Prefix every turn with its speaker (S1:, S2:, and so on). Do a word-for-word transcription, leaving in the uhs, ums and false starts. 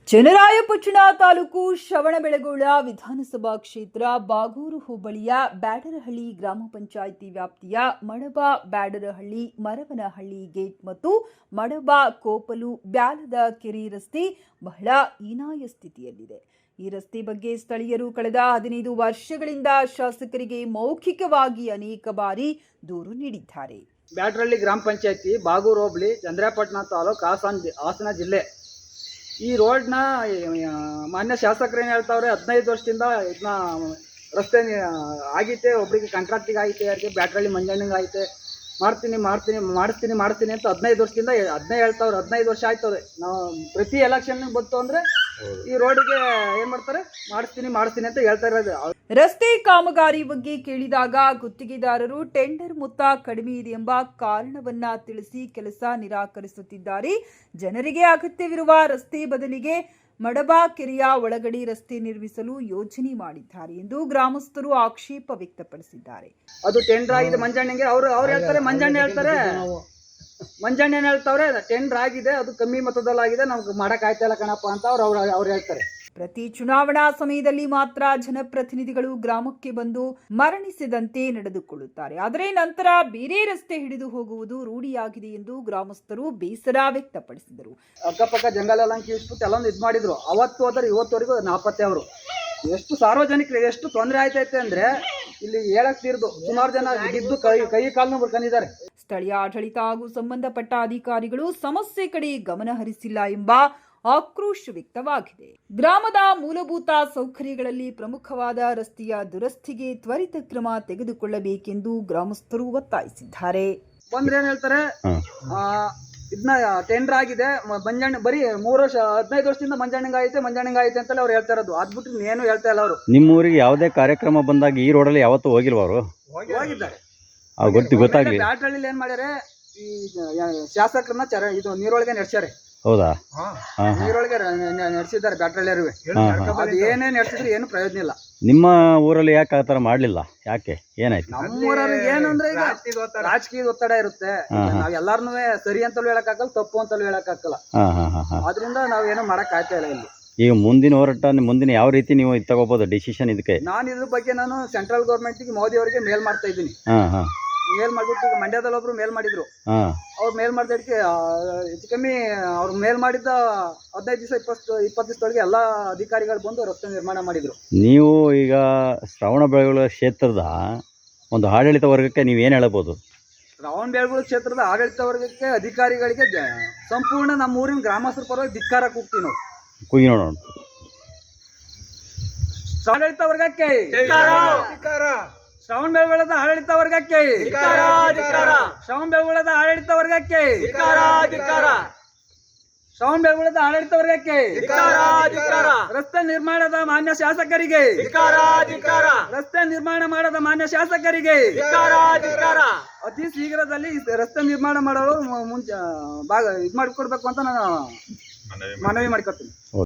S1: ಚನ್ನರಾಯಪಟ್ಟಣ ತಾಲೂಕು ಶ್ರವಣಬೆಳಗೊಳ ವಿಧಾನಸಭಾ ಕ್ಷೇತ್ರ ಬಾಗೂರು ಹೋಬಳಿಯ ಬ್ಯಾಡರಹಳ್ಳಿ ಗ್ರಾಮ ಪಂಚಾಯಿತಿ ವ್ಯಾಪ್ತಿಯ ಮಡಬ ಬ್ಯಾಡರಹಳ್ಳಿ ಮರವನಹಳ್ಳಿ ಗೇಟ್ ಮತ್ತು ಮಡಬ ಕೋಪಲು ಬ್ಯಾಲದ ಕೆರೆ ರಸ್ತೆ ಬಹಳ ಹೀನಾಯ ಸ್ಥಿತಿಯಲ್ಲಿದೆ. ಈ ರಸ್ತೆ ಬಗ್ಗೆ ಸ್ಥಳೀಯರು ಕಳೆದ ಹದಿನೈದು ವರ್ಷಗಳಿಂದ ಶಾಸಕರಿಗೆ ಮೌಖಿಕವಾಗಿ ಅನೇಕ ಬಾರಿ ದೂರು ನೀಡಿದ್ದಾರೆ.
S2: ಬ್ಯಾಡರಹಳ್ಳಿ ಗ್ರಾಮ ಪಂಚಾಯಿತಿ ಬಾಗೂರು ಹೋಬಳಿ ಚನ್ನರಾಯಪಟ್ಟಣ ತಾಲೂಕು ಹಾಸನ ಹಾಸನ ಜಿಲ್ಲೆ. ಈ ರೋಡ್ನ ಮಾನ್ಯ ಶಾಸಕರು ಏನು ಹೇಳ್ತಾವ್ರೆ, ಹದಿನೈದು ವರ್ಷದಿಂದ ಇದನ್ನ ರಸ್ತೆ ಆಗೈತೆ, ಒಬ್ಬರಿಗೆ ಕಾಂಟ್ರಾಕ್ಟಿಗೆ ಆಗೈತೆ, ಯಾರಿಗೆ ಬ್ಯಾಡರಹಳ್ಳಿ ಮಂಜಣ್ಣಂಗೆ ಆಗೈತೆ, ಮಾಡ್ತೀನಿ ಮಾಡ್ತೀನಿ ಮಾಡಿಸ್ತೀನಿ ಮಾಡಿಸ್ತೀನಿ ಅಂತ ಹದಿನೈದು ವರ್ಷದಿಂದ ಹದಿನೈದು ಹೇಳ್ತಾವ್ರೆ. ಹದಿನೈದು ವರ್ಷ ಆಯ್ತದೆ. ನಾವು ಪ್ರತಿ ಎಲೆಕ್ಷನ್ ಬಂತು ಅಂದರೆ ಈ ರೋಡಿಗೆ ಏನು ಮಾಡ್ತಾರೆ, ಮಾಡಿಸ್ತೀನಿ ಮಾಡಿಸ್ತೀನಿ ಅಂತ ಹೇಳ್ತಾ ಇರೋದು.
S1: ರಸ್ತೆ ಕಾಮಗಾರಿ ಬಗ್ಗೆ ಕೇಳಿದಾಗ ಗುತ್ತಿಗೆದಾರರು ಟೆಂಡರ್ ಮೊತ್ತ ಕಡಿಮೆ ಇದೆ ಎಂಬ ಕಾರಣವನ್ನ ತಿಳಿಸಿ ಕೆಲಸ ನಿರಾಕರಿಸುತ್ತಿದ್ದಾರೆ. ಜನರಿಗೆ ಅಗತ್ಯವಿರುವ ರಸ್ತೆ ಬದಲಿಗೆ ಮಡಬ ಕೆರೆಯ ಒಳಗಡೆ ರಸ್ತೆ ನಿರ್ಮಿಸಲು ಯೋಜನೆ ಮಾಡಿದ್ದಾರೆ ಎಂದು ಗ್ರಾಮಸ್ಥರು ಆಕ್ಷೇಪ ವ್ಯಕ್ತಪಡಿಸಿದ್ದಾರೆ.
S2: ಅದು ಟೆಂಡರ್ ಆಗಿದೆ ಮಂಜಣ್ಣಂಗೆ. ಅವರು ಅವ್ರು ಹೇಳ್ತಾರೆ, ಮಂಜಣ್ಣ ಹೇಳ್ತಾರೆ, ಮಂಜಣ್ಣ ಏನು ಹೇಳ್ತಾವ್ರೆ, ಟೆಂಡರ್ ಆಗಿದೆ, ಅದು ಕಮ್ಮಿ ಮೊತ್ತದಲ್ಲಾಗಿದೆ, ನಮ್ಗೆ ಮಾಡಕ್ ಆಯ್ತಾ ಇಲ್ಲ ಕಣಪ್ಪ ಅಂತ ಅವ್ರು ಅವ್ರು ಅವ್ರು ಹೇಳ್ತಾರೆ.
S1: ಪ್ರತಿ ಚುನಾವಣಾ ಸಮಯದಲ್ಲಿ ಮಾತ್ರ ಜನಪ್ರತಿನಿಧಿಗಳು ಗ್ರಾಮಕ್ಕೆ ಬಂದು ಮರಣಿಸಿದಂತೆ ನಡೆದುಕೊಳ್ಳುತ್ತಾರೆ. ಆದರೆ ನಂತರ ಬೇರೆ ರಸ್ತೆ ಹಿಡಿದು ಹೋಗುವುದು ರೂಢಿಯಾಗಿದೆ ಎಂದು ಗ್ರಾಮಸ್ಥರು ಬೇಸರ ವ್ಯಕ್ತಪಡಿಸಿದರು.
S2: ಅಕ್ಕಪಕ್ಕ ಜಂಗಲ ಎಲ್ಲ ಕೀಳ್ಸ್ಬಿಟ್ಟು ಎಲ್ಲೊಂದು ಇದು ಮಾಡಿದ್ರು. ಅವತ್ತು ಹೋದ್ರೆ ಇವತ್ತುವರೆಗೂ ನಾಪತ್ತೆ. ಅವರು ಎಷ್ಟು ಸಾರ್ವಜನಿಕರಿಗೆ ಎಷ್ಟು ತೊಂದರೆ ಆಯ್ತೈತೆ ಅಂದ್ರೆ ಇಲ್ಲಿ ಹೇಳಕ್ ತೀರ್ದು ಸುಮಾರು ಜನ ಬಿದ್ದು ಕೈ ಕೈ ಕಾಲನ್ನು ಬರ್ಕೊಂಡಿದ್ದಾರೆ.
S1: ಸ್ಥಳೀಯ ಆಡಳಿತ ಹಾಗೂ ಸಂಬಂಧಪಟ್ಟ ಅಧಿಕಾರಿಗಳು ಸಮಸ್ಯೆ ಕಡೆ ಗಮನ ಹರಿಸಿಲ್ಲ ಎಂಬ ಆಕ್ರೋಶ ವ್ಯಕ್ತವಾಗಿದೆ. ಗ್ರಾಮದ ಮೂಲಭೂತ ಸೌಕರ್ಯಗಳಲ್ಲಿ ಪ್ರಮುಖವಾದ ರಸ್ತೆಯ ದುರಸ್ತಿಗೆ ತ್ವರಿತ ಕ್ರಮ ತೆಗೆದುಕೊಳ್ಳಬೇಕೆಂದು ಗ್ರಾಮಸ್ಥರು ಒತ್ತಾಯಿಸಿದ್ದಾರೆ.
S2: ಬಂದ್ರೆ ಏನ್ ಹೇಳ್ತಾರೆ, ಇದನ್ನ ಟೆಂಡರ್ ಆಗಿದೆ, ಮಂಜಣ್ಣ ಬರೀ ಮೂರು ವರ್ಷ ಹದಿನೈದು ವರ್ಷದಿಂದ ಮಂಜಣ್ಣಂಗ ಐತೆ ಮಂಜಣ್ಣಂಗ ಐತೆ ಅಂತ ಅವ್ರು ಹೇಳ್ತಾ ಇರೋದು. ಅದ್ಬಿಟ್ಟು ಏನು ಹೇಳ್ತಾ ಇಲ್ಲ ಅವರು.
S3: ನಿಮ್ಮ ಊರಿಗೆ ಯಾವುದೇ ಕಾರ್ಯಕ್ರಮ ಬಂದಾಗ ಈ ರೋಡಲ್ಲಿ ಯಾವತ್ತೂ ಹೋಗಿಲ್ವ ಅವರು?
S2: ಹೋಗಿದ್ದಾರೆ.
S3: ಗೊತ್ತು ಗೊತ್ತಾಗ್ಲಿ.
S2: ಬ್ಯಾಡರಹಳ್ಳಿಲಿ ಏನ್ ಮಾಡ್ಯಾರೆ, ಈ ಶಾಸಕರನ್ನ ಚರ ಇದು ನೀರೊಳಗೆ ನಡೆಸ್ಯಾರೆ.
S3: ಹೌದಾ?
S2: ನೀರೊಳಗೆ ನಡೆಸಿದ್ದಾರೆ ಬ್ಯಾಡರಹಳ್ಳಿಯರು. ಅದು ಏನೇ ನಡೆಸಿದ್ರು ಏನು ಪ್ರಯೋಜನ ಇಲ್ಲ.
S3: ನಿಮ್ಮ ಊರಲ್ಲಿ ಯಾಕೆ ಆ ಥರ ಮಾಡ್ಲಿಲ್ಲ? ಯಾಕೆ, ಏನಾಯ್ತು?
S2: ನಮ್ಮ ಊರಲ್ಲಿ ಏನಂದ್ರೆ ಈಗ ರಾಜಕೀಯದ ಒತ್ತಡ ಇರುತ್ತೆ. ನಾವ್ ಎಲ್ಲಾರ್ನು ಸರಿ ಅಂತಲೂ ಹೇಳಕ್ಕಾಗಲ್ಲ, ತಪ್ಪು ಅಂತಲೂ ಹೇಳಕ್ಕಾಗಲ್ಲ. ಆದ್ರಿಂದ ನಾವ್ ಏನು ಮಾಡಕ್ ಆಗ್ತಾ ಇಲ್ಲ ಇಲ್ಲಿ.
S3: ಈಗ ಮುಂದಿನ ಹೋರಾಟ ಮುಂದಿನ ಯಾವ ರೀತಿ ನೀವು ಇದು ತಗೋಬಹುದು ಡಿಸಿಷನ್? ಇದಕ್ಕೆ
S2: ನಾನು ಇದ್ರ ಬಗ್ಗೆ ನಾನು ಸೆಂಟ್ರಲ್ ಗೌರ್ಮೆಂಟ್ಗೆ ಮೋದಿ ಅವರಿಗೆ ಮೇಲ್ ಮಾಡ್ತಾ ಇದ್ದೀನಿ. ಮೇಲ್ ಮಾಡ್ಬಿಟ್ಟು ಈಗ ಮಂಡ್ಯದಲ್ಲಿ ಒಬ್ರು ಮೇಲ್ ಮಾಡಿದ್ರು. ಅವ್ರು ಮೇಲ್ ಮಾಡಿದಕ್ಕೆ ಹೆಚ್ಚು ಕಮ್ಮಿ ಅವ್ರು ಮೇಲ್ ಮಾಡಿದ್ದ ಹದಿನೈದು ದಿವಸ ಇಪ್ಪತ್ತು ಇಪ್ಪತ್ತು ದಿವಸದೊಳಗೆ ಎಲ್ಲಾ ಅಧಿಕಾರಿಗಳು ಬಂದು ರಸ್ತೆ ನಿರ್ಮಾಣ ಮಾಡಿದ್ರು.
S3: ನೀವು ಈಗ ಶ್ರವಣಬೆಳಗೊಳ ಕ್ಷೇತ್ರದ ಒಂದು ಆಡಳಿತ ವರ್ಗಕ್ಕೆ ನೀವೇನು ಹೇಳಬಹುದು?
S2: ಶ್ರವಣಬೆಳಗೊಳ ಕ್ಷೇತ್ರದ ಆಡಳಿತ ವರ್ಗಕ್ಕೆ ಅಧಿಕಾರಿಗಳಿಗೆ ಸಂಪೂರ್ಣ ನಮ್ಮ ಊರಿನ ಗ್ರಾಮಸ್ಥರ ಪರವಾಗಿ ಧಿಕ್ಕಾರ ಕೂಗ್ತೀವಿ ನಾವು.
S3: ಕೂಗಿ ನೋಡೋಣ.
S2: ಆಡಳಿತ ವರ್ಗಕ್ಕೆ ಶ್ರವಣಬೆಳಗೊಳದ ಆಡಳಿತ ವರ್ಗಕ್ಕೆ ಶ್ರವಣಬೆಳಗೊಳದ ಆಡಳಿತ ವರ್ಗಕ್ಕೆ ಶ್ರವಣಬೆಳಗೊಳದ ಆಡಳಿತ ವರ್ಗಕ್ಕೆ ರಸ್ತೆ ನಿರ್ಮಾಣದ ಮಾನ್ಯ ಶಾಸಕರಿಗೆ ರಸ್ತೆ ನಿರ್ಮಾಣ ಮಾಡದ ಮಾನ್ಯ ಶಾಸಕರಿಗೆ ಅತಿ ಶೀಘ್ರದಲ್ಲಿ ರಸ್ತೆ ನಿರ್ಮಾಣ ಮಾಡಲು ಮುಂಚೆ ಭಾಗ ಇದು ಮಾಡಿಕೊಡ್ಬೇಕು ಅಂತ ನಾನು ಮನವಿ ಮಾಡಿಕೊಡ್ತೀನಿ.